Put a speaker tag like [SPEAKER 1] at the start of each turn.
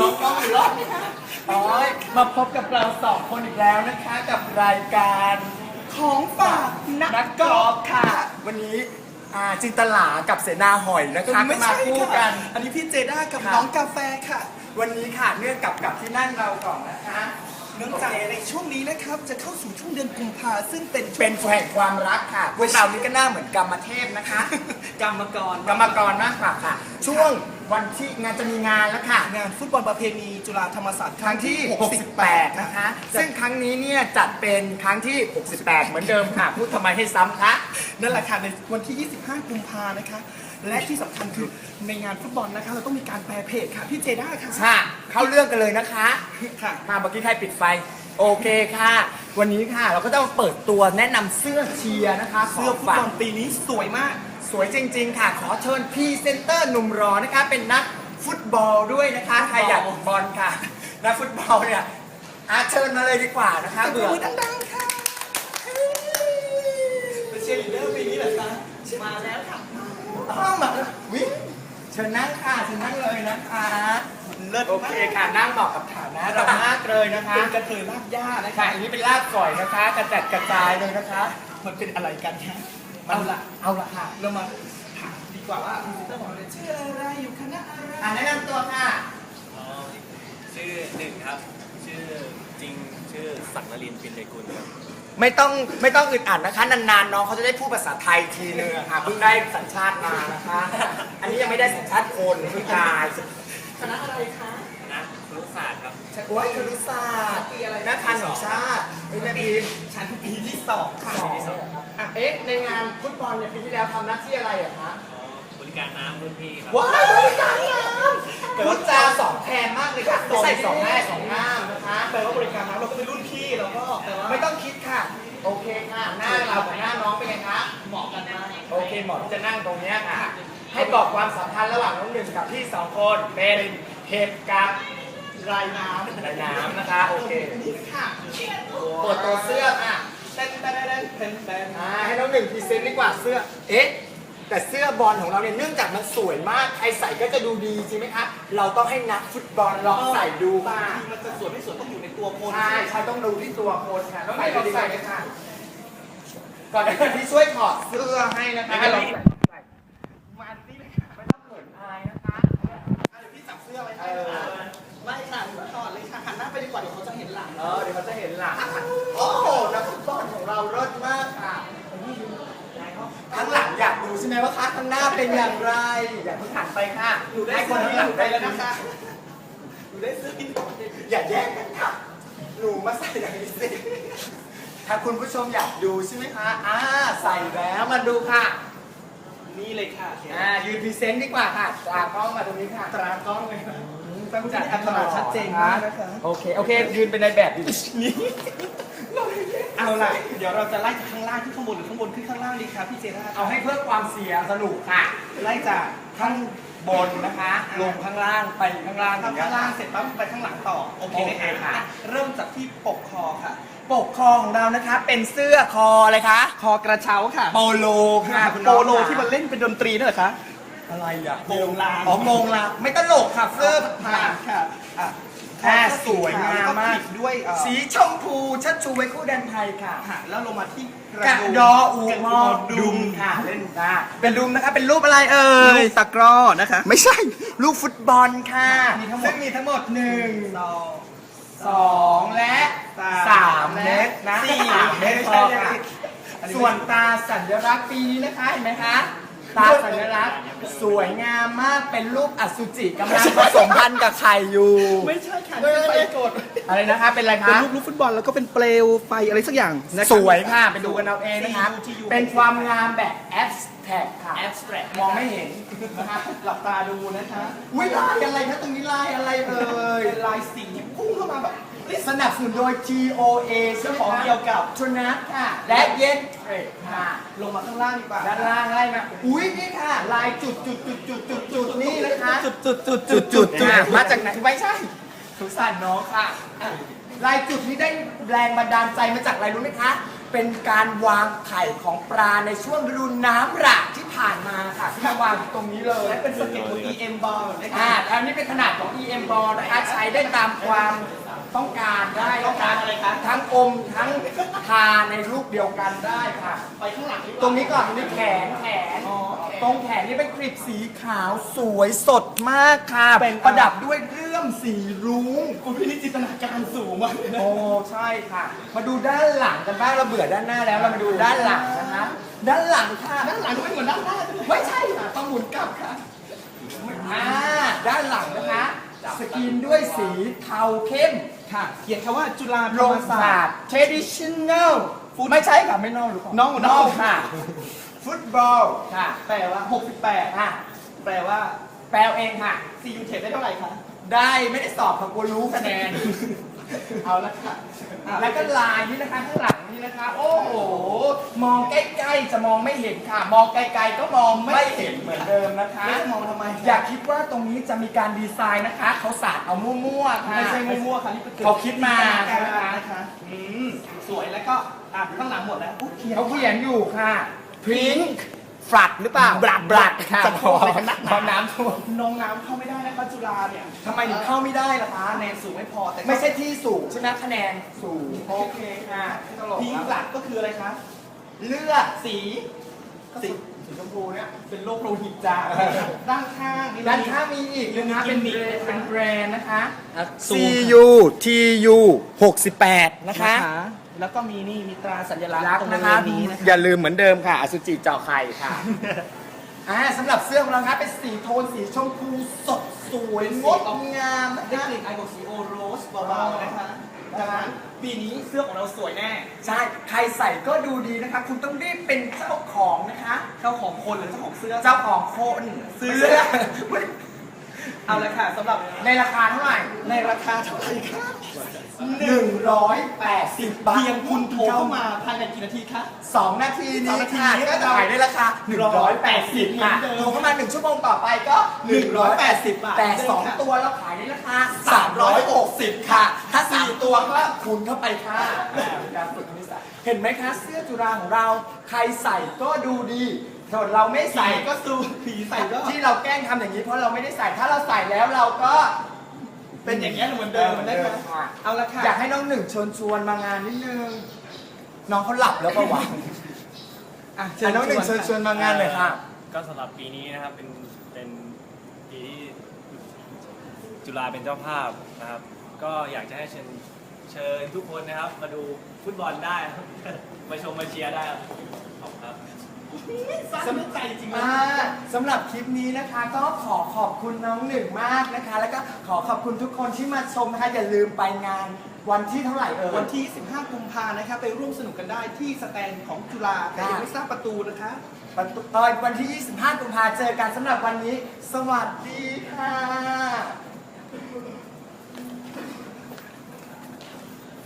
[SPEAKER 1] น้องกล้องอีกรอบโอ้ยมาพบกับเราสองคนอีกแล้วนะคะกับรายการ
[SPEAKER 2] ของฝาก
[SPEAKER 1] นักกอล์ฟค่ะ วันนี้จินตลากับเสนาหอยนะคะ
[SPEAKER 2] ไม่
[SPEAKER 1] มา
[SPEAKER 2] ใช่
[SPEAKER 1] คู่
[SPEAKER 2] ค่ะ
[SPEAKER 1] กัน
[SPEAKER 2] อันนี้พี่เจด้ากับ
[SPEAKER 1] ค่ะ
[SPEAKER 2] น้องกาแฟค่ะ
[SPEAKER 1] วันนี้ค่ะเนื่องกับที่นั่งเราก่อนนะคะ
[SPEAKER 2] เนื่องจากในช่วงนี้นะครับจะเข้าสู่ช่วงเดือนกุมภาซึ่งเป็นช่วง
[SPEAKER 1] เป็นแห่งความรักค่ะพวกเรานี่ก็หน้าเหมือนกรรมเทพนะคะ
[SPEAKER 2] กรรมกร
[SPEAKER 1] กรรมกรมากกว่าค่ะ ช่วงวันที่งานจะมีงานแล้วค่ะ
[SPEAKER 2] งานฟุตบอลประเพณีจุฬาธรรมศาสตร์
[SPEAKER 1] ครั้งที่ 68 นะคะ ซึ่งครั้งนี้เนี่ยจัดเป็นครั้งที่ 68 เหมือนเดิมค่ะ พูดทำไมให้ซ้ำคะ
[SPEAKER 2] นั่นแหละค่ะในวันที่ 25 กุมภานะคะ และที่สำคัญคือในงานฟุตบอลนะคะเราต้องมีการแปลเพจค่ะพี่เจด้าค่ะ
[SPEAKER 1] ค่ะ เข้าเรื่องกันเลยนะคะ
[SPEAKER 2] ค่ะ
[SPEAKER 1] มาเมื่อกี้ใครปิดไฟ โอเคค่ะ วันนี้ค่ะเราก็ต้องเปิดตัวแนะนำเสื้อเชียร์นะคะ
[SPEAKER 2] เสื้อฟุตบอลปีนี้สวยมาก
[SPEAKER 1] สวยจริง ๆ ค่ะ ขอเชิญพรีเซนเตอร์หนุ่มรอนะคะ เป็นนักฟุตบอลด้วยนะคะใครอยากบอลค่ะ นักฟุตบอลเนี่ยเชิญมาเลยดีกว่านะคะ
[SPEAKER 2] ตบ
[SPEAKER 1] เบื่อ
[SPEAKER 2] มือดังๆค่ะเป็นเชียร์ลีดเดอร์ปีนี้เหรอคะมาแล้วค่ะ
[SPEAKER 1] ต้องมาวิเชิญนั่งค่ะเชิญนั่งเลยนะคะ
[SPEAKER 2] เลิศ
[SPEAKER 1] โอเคค่ะนั่งเหมาะกับฐานะเรามากเลยนะคะ
[SPEAKER 2] เป็นกระเทยลากหญ้านะ
[SPEAKER 1] ค่ะ
[SPEAKER 2] คะ
[SPEAKER 1] อันนี้เป็นลาบก่อยนะคะกระจัดกระจายเลยนะคะ
[SPEAKER 2] มันเป็นอะไรกันคะ
[SPEAKER 1] เอาละค่ะ
[SPEAKER 2] เรามาถามดีกว่าว่าพรีเซนเตอร์ของเราเนี่ยชื่ออะไรอยู่คณะอะไร
[SPEAKER 1] แนะนำตัวค่ะ
[SPEAKER 3] ชื่อหนึ่งครับ ชื่อจริงชื่อศักดิ์นรินทร์ปินเดกุลครับ
[SPEAKER 1] ไม่ต้องอึดอัดนะคะนานๆน้องเขาจะได้พูดภาษาไทยทีนึงอะค่ะเพิ่งได้สัญชาติมานะคะ อันนี้ยังไม่ได้สัญชาติคนพี่กาย
[SPEAKER 2] คณะอะไรคะ
[SPEAKER 3] คณะครุศาสตร์ครับ
[SPEAKER 1] โอ้ยครุศาสตร์นักการของชาติไม่แม่พีม
[SPEAKER 2] ชั้นปีที่2ค่ะ
[SPEAKER 1] ในงานฟุตบอลเนี่ยปีที่แล้วทำหน้าที่อะไรอะคะ
[SPEAKER 3] บริการน้ำรุ่นพี่ครับ
[SPEAKER 1] ว้ายบริการน้ำพูดจาสองแทนมากเลยค่ะไม่ใส่สองแม่สองงามนะคะ
[SPEAKER 2] แปลว่าบริการน้ำเราก็เป็นรุ่นพี่เราก็แปลว่า
[SPEAKER 1] ไม่ต้องคิดค่ะ โอเคค่ะ หน้าเรากับหน้าน้องเป็นไงคะ
[SPEAKER 2] เหมาะกันมาก
[SPEAKER 1] โอเคหมอที่จะนั่งตรงเนี้ยค่ะ ให้บอกความสัมพันธ์ระหว่างน้องหนึ่งกับพี่สองคนเป็นเห็บกับ
[SPEAKER 2] รายน้
[SPEAKER 1] ลายน้ำนะคะ โอเค
[SPEAKER 2] ำนี่ค่ะ
[SPEAKER 1] เปิดตัวเสื้อค่ะ
[SPEAKER 2] เต้นเต้นเต้นเต้นเต้น
[SPEAKER 1] ให้น้องหนึ่งพรีเซนต์ดีกว่าเสื้อ เอ๊ะ แต่เสื้อบอลของเราเนี่ยเนื่องจากมันสวยมากใครใส่ก็จะดูดีจริงไหมคะเราต้องให้นักฟุตบอลลองใส่ดู
[SPEAKER 2] บา
[SPEAKER 1] ค่ะ
[SPEAKER 2] งทีมันจะสวยไม่สวยต้องอยู่ในตัวคน
[SPEAKER 1] ใช่ใช่ต้องดูที่ตัวคนค่ะต้องใส่ลองใส่เลยค่ะ ก่อนเดี๋ยวพี่ช่วยถอดเสื้อให้นะคะลองใส่
[SPEAKER 2] มาที่เลยค่ะ
[SPEAKER 1] ไม่ต้องเขินอายนะคะ
[SPEAKER 2] เดี๋ยวพี่จับเสื้อไว้ให้ค่ะไม่ค่ะถอดเลยค่ะหันหน้าไปดีกว่าเดี๋ยวเขาจะเห็นหลัง
[SPEAKER 1] เดี๋ยวเขาจะเห็นหลังโอ้โหนักฟุตบอลของเราเลิศมากค่ะข้างหลังอยากดูใช่ไหมว่าคะข้างหน้าเป็นอย่างไร อยากเพิ่งหันไปค่ะ
[SPEAKER 2] หนูได้
[SPEAKER 1] ให้ค
[SPEAKER 2] เสื้
[SPEAKER 1] น
[SPEAKER 2] อ
[SPEAKER 1] ข้าง
[SPEAKER 2] พี่
[SPEAKER 1] หลั
[SPEAKER 2] ห
[SPEAKER 1] ง
[SPEAKER 2] นู
[SPEAKER 1] ได้
[SPEAKER 2] ได้
[SPEAKER 1] แล้
[SPEAKER 2] แล้ว ว
[SPEAKER 1] นะ
[SPEAKER 2] นะคะ คะหนูได้เสื้อพี่
[SPEAKER 1] อย่าแย่งกันค่ะ หนูมาใส่อย่างนี้สิถ้าคุณผู้ชมอยากดูใช่ไหมคะใส่แล้วมาดูค่ะ
[SPEAKER 2] นี่เลยค่ะ
[SPEAKER 1] ยืนพรีเซนต์ดีกว่าค่ะตากล้องมาตรงนี้ค่ะ
[SPEAKER 2] ตรากล้องเลยค่ะ
[SPEAKER 1] ต้องจัด
[SPEAKER 2] อัตราชัดเจนมากนะคะ
[SPEAKER 1] โอเคยืนเป็นในแบบอยู่นี่
[SPEAKER 2] เอาล่ะเดี๋ยวเราจะไล่จากข้างล่างขึ้นข้างบนหรือข้างบนขึ้นข้างล่างดีครับพี่เจน่า
[SPEAKER 1] เอาให้เพิ่มความเสียงสนุกค่ะ
[SPEAKER 2] ไล่จาก
[SPEAKER 1] ข้างบนนะคะ ลงข้างล่างไปข้างล่าง
[SPEAKER 2] ทำข้างล่างเสร็จปั๊บไปข้างหลังต่อโอเคไหม
[SPEAKER 1] โอเคค่ะ
[SPEAKER 2] เริ่มจากที่ปกคอค่ะ
[SPEAKER 1] ปกคอของเรานะคะ เป็นเสื้อคออะไรคะ
[SPEAKER 2] คอกระเช้าค่ะ
[SPEAKER 1] โปโลค่ะคุณ
[SPEAKER 2] โป
[SPEAKER 1] น้อง
[SPEAKER 2] โลที่มันเล่นเป็นดนตรีนั่นเหรอคะ
[SPEAKER 1] อะไรอ่ะ
[SPEAKER 2] โปงลาง
[SPEAKER 1] อ๋อโมงลางไม่ตลกค่ะเสื้อ
[SPEAKER 2] ผ่านค่ะอ่ะ
[SPEAKER 1] สวยงามมาก
[SPEAKER 2] แล้วปิดด้วย
[SPEAKER 1] สีชมพูชัดชูไว้คู่แดนไทยค่ะ
[SPEAKER 2] ค่ะแล้วลงมาที่
[SPEAKER 1] กระดออูมอดุมค่ะเล่นได้เป็นดุมนะคะเป็นรูปอะไรเอ่
[SPEAKER 2] ลู
[SPEAKER 1] ย
[SPEAKER 2] กตะกร้อนะคะ
[SPEAKER 1] ไม่ใช่ลูกฟุตบอลค่ะ
[SPEAKER 2] มีทั้งหมด
[SPEAKER 1] ซึ่งมีทั้งหมด1
[SPEAKER 2] สอง
[SPEAKER 1] 2 และ
[SPEAKER 2] สาม
[SPEAKER 1] 3 เมตรนะ
[SPEAKER 2] สี่
[SPEAKER 1] 3 เมตรพอค่ะ ส่วนตาสัญลักษณ์ปีนี้นะคะเห็นไหมคะ ตาสัญลักษณ์สวยงามมากเป็นรูปอสุจิกำลังผสมพันธุ์กับไข่อยู่
[SPEAKER 2] ไม่ใช่ค่ะนี่เป็นไฟกด
[SPEAKER 1] อะไรนะคะเป็นอะไร
[SPEAKER 2] เป็น
[SPEAKER 1] คะ
[SPEAKER 2] รูปลูกฟุตบอลแล้วก็เป็นเปลวไฟอะไรสักอย่างนะครับ
[SPEAKER 1] สวยค่ะไปดูกันเอาเองนะคะ
[SPEAKER 2] TU
[SPEAKER 1] เป็นความงามแบบแอบสแท็กค่ะ
[SPEAKER 2] abstract
[SPEAKER 1] มองไม่เห็นนะคะ
[SPEAKER 2] หลับตาดูนะคะ
[SPEAKER 1] วิลายอะไรคะตรงนี้ลายอะไรเอ่ย
[SPEAKER 2] เป็นลายสีพุ่งเข้ามาแบบ
[SPEAKER 1] สนับสนุนโดย GOA
[SPEAKER 2] เจ้าของเกี่ยวกับ
[SPEAKER 1] ทนัทค่ะ และเย็นเทรดค่ะ
[SPEAKER 2] ลงมาข้างล่างดีกว่า
[SPEAKER 1] ด้านล่างไล่มาอุ้ยนี่ค่ะ ลายจุดนี่นะคะ
[SPEAKER 2] จุด
[SPEAKER 1] มาจากไหนไม่ใช่สงสารน้องค่ะ ลายจุดนี้ได้แรงบันดาลใจมาจากอะไรรู้ไหมคะเป็นการวางไข่ของปลาในช่วงฤดูน้ำหลากที่ผ่านมาค่ะที่มาวางอยู่ตรงนี้เลย
[SPEAKER 2] และเป็นสเก็ตของ EM Ball นะคะ
[SPEAKER 1] อันนี้เป็นขนาดของ EM Ball นะคะใช้ได้ตามความต้องการได้
[SPEAKER 2] ต้องการอะไรคะ
[SPEAKER 1] ทั้งอมทั้งทาในรูปเดียวกันได้ค่ะ
[SPEAKER 2] ไปข้างหลังดีกว่า
[SPEAKER 1] ตรงนี้ก่อนตรงนี้แขน
[SPEAKER 2] อ๋อ
[SPEAKER 1] ตรงแขนนี่เป็นกลีบสีขาวสวยสดมากค่ะ
[SPEAKER 2] เป็น
[SPEAKER 1] ประดับด้วยเรื่อมสีรุ้ง
[SPEAKER 2] คุณพี่นี่จินตนาการสูงมากเลยนะ
[SPEAKER 1] โอ้ใช่ค่ะ มาดูด้านหลังกันบ้างเราเบื่อด้านหน้าแล้วเรามาดูด้านหลังนะคะด้านหลังค่ะ
[SPEAKER 2] ด้านหลังไม่เหมือนด้านหน้าใช่ไหม
[SPEAKER 1] ไม่ใช่ค่ะต้องหมุนกลับค่ะด้านหลังนะคะสกรีนด้วยสีเทาเข้ม
[SPEAKER 2] ค่ะเขียนคำว่าจุฬาธ
[SPEAKER 1] โร
[SPEAKER 2] รรม
[SPEAKER 1] ง
[SPEAKER 2] ศา
[SPEAKER 1] ศา
[SPEAKER 2] ส
[SPEAKER 1] ส
[SPEAKER 2] ต
[SPEAKER 1] ต
[SPEAKER 2] ร์
[SPEAKER 1] ร์ traditional ไม่ใช่ค่ะไม่นอกหรือเปล่าน
[SPEAKER 2] อก
[SPEAKER 1] นอกค่ะ ฟุตบอลค่ะ
[SPEAKER 2] แปลว่า 68
[SPEAKER 1] ค่ะ
[SPEAKER 2] แปลว่า
[SPEAKER 1] แปลเองค่ะ
[SPEAKER 2] CU เทปได้เท่าไหร่คะ
[SPEAKER 1] ได้ไม่ได้สอบค่ะกลัวรู้คะแนน
[SPEAKER 2] เอาละค่ะอ่ะ
[SPEAKER 1] แล้วก็ลายนี่นะคะข้างหลังนี่นะคะ โอ้โห มองใกล้ๆจะมองไม่เห็นค่ะ มองไกลๆก็มองไม่เห็นเหมือนเดิมนะคะ
[SPEAKER 2] แล้วจะมองทำไม
[SPEAKER 1] อย่าคิดว่าตรงนี้จะมีการดีไซน์นะคะ เขาสาดเอามั่วๆค่ะ
[SPEAKER 2] ไม่ใช่มั่วๆค่ะนี่เป็น
[SPEAKER 1] เขาคิดมา
[SPEAKER 2] จินตนการนะคะสวยแล้วก็ข้างหลังหมดแล้วอุ๊ย
[SPEAKER 1] เขาเขียนอยู่ค่ะ Pink ฟลัดหรือเปล่าบลัดค่ะ
[SPEAKER 2] จะพออะไรกันนักห
[SPEAKER 1] พอ
[SPEAKER 2] นา
[SPEAKER 1] น้ำท่วม
[SPEAKER 2] น้องน้ำเข้าไม่ได้นะคะจุฬาเนี่ย
[SPEAKER 1] ทำไมถึงเข้าไม่ได้ล่ะคะ
[SPEAKER 2] คะแนนสูงไม่พอแต่
[SPEAKER 1] ไม่ใช่ที่สูงใช่ไหมคะแนนสูง โอเคค่ะไม่ตลก
[SPEAKER 2] พี
[SPEAKER 1] แล้ว
[SPEAKER 2] หลักก็คืออะไรคะ
[SPEAKER 1] เลือด
[SPEAKER 2] สี
[SPEAKER 1] สีชมพูเนี่ย
[SPEAKER 2] เป็นโรคโลหิตจางด้านข้างนี่
[SPEAKER 1] ด้านข้างมีอีกนะคะเป็น
[SPEAKER 2] มี
[SPEAKER 1] เป็นแบรนด์นะคะ
[SPEAKER 2] ซูม
[SPEAKER 1] CU TU 68 นะคะ
[SPEAKER 2] แล้วก็มีนี่มีตราสัญลักษณ์
[SPEAKER 1] รัก
[SPEAKER 2] ตรง
[SPEAKER 1] นะ
[SPEAKER 2] บริ
[SPEAKER 1] คะ
[SPEAKER 2] เวณนี้นะคะ
[SPEAKER 1] อย่าลืมเหมือนเดิมค่ะอสุจิเจาะไข่ค่ะ สำหรับเสื้อของเราครับเป็นสีโทนสีชมพูสดสวยงดงามนะ
[SPEAKER 2] ได้
[SPEAKER 1] คะ
[SPEAKER 2] กลิ่นไอของสีโอโรสเบาๆนะคะดังนั้นปีนี้เสื้อของเราสวยแน่
[SPEAKER 1] ใช่ใครใส่ก็ดูดีนะคะ คุณต้องรีบเป็นเจ้าของนะคะ
[SPEAKER 2] เจ้าของคนหรือเจ้าของเสื้อ
[SPEAKER 1] เจ้าของโคน
[SPEAKER 2] เสื้อ
[SPEAKER 1] เสื้อ
[SPEAKER 2] เอาละค่ะสำหรับ
[SPEAKER 1] ในราคาเท่าไหร่
[SPEAKER 2] ในราคาเท่าไหร่คะ
[SPEAKER 1] 180 บาท
[SPEAKER 2] เพียงคุณโทรเข้ามาภายในกี่นาทีคะ
[SPEAKER 1] 2 นาทีนี้ค่ะ
[SPEAKER 2] 2 นาที
[SPEAKER 1] ก็จะขายในราคา 180 ค่ะ
[SPEAKER 2] เหมือนเดิม
[SPEAKER 1] โทรเข้ามา 1 ชั่วโมงต่อไปก็
[SPEAKER 2] 180 บาท
[SPEAKER 1] แต่
[SPEAKER 2] เดิมค่ะ
[SPEAKER 1] 2 ตัวเราขายในราคา 360 ค่ะ ถ้า 4 ตัวก็คูณเข้าไปค่ะเป็นการฝึกคณิตศาสตร์เห็นไหมคะ เสื้อจุฬาของเรา ใครใส่ก็ดูดีส่วนเราไม่ใส่
[SPEAKER 2] ใส่ก็สูผีใส่ก็
[SPEAKER 1] ที่เราแกล้งทำอย่างนี้เพราะเราไม่ได้ใส่ ถ้าเราใส่แล้วเราก็
[SPEAKER 2] เป็นอย่างนี้ยเหมือนเดิมได้ไหม
[SPEAKER 1] ค่ะ
[SPEAKER 2] เอาละค่ะ
[SPEAKER 1] อยากให้น้องหนึ่งเชิญชวนมางานนิดนึง น้องเขาหลับแล้วประวัติ
[SPEAKER 2] อ่ะ
[SPEAKER 1] เชิญน้องหนึ่งเชิญชวนมางานเลยค่ะ
[SPEAKER 3] ก็สำหรับปีนี้นะครับเป็นปีที่จุฬาเป็นเจ้าภาพนะครับ ก็อยากจะให้เชิญทุกคนนะครับ มาดูฟุตบอลได้ครับ มาชมมาเชียร์ได้ครับขอบคุณครับ
[SPEAKER 2] สนุกใจจริงๆนะ
[SPEAKER 1] สำหรับคลิปนี้นะคะ ก็ขอขอบคุณน้องหนึ่งมากนะคะ แล้วก็ขอขอบคุณทุกคนที่มาชมนะคะอย่าลืมไปงานวันที่เท่าไหร่เอ่ย
[SPEAKER 2] วันที่ 15 กุมภานะคะไปร่วมสนุกกันได้ที่สแตนของจุฬาแต่ยังไม่ทราบประตูนะคะ
[SPEAKER 1] วันที่ 25 กุมภาเจอกันสำหรับวันนี้ สวัสดีค่ะ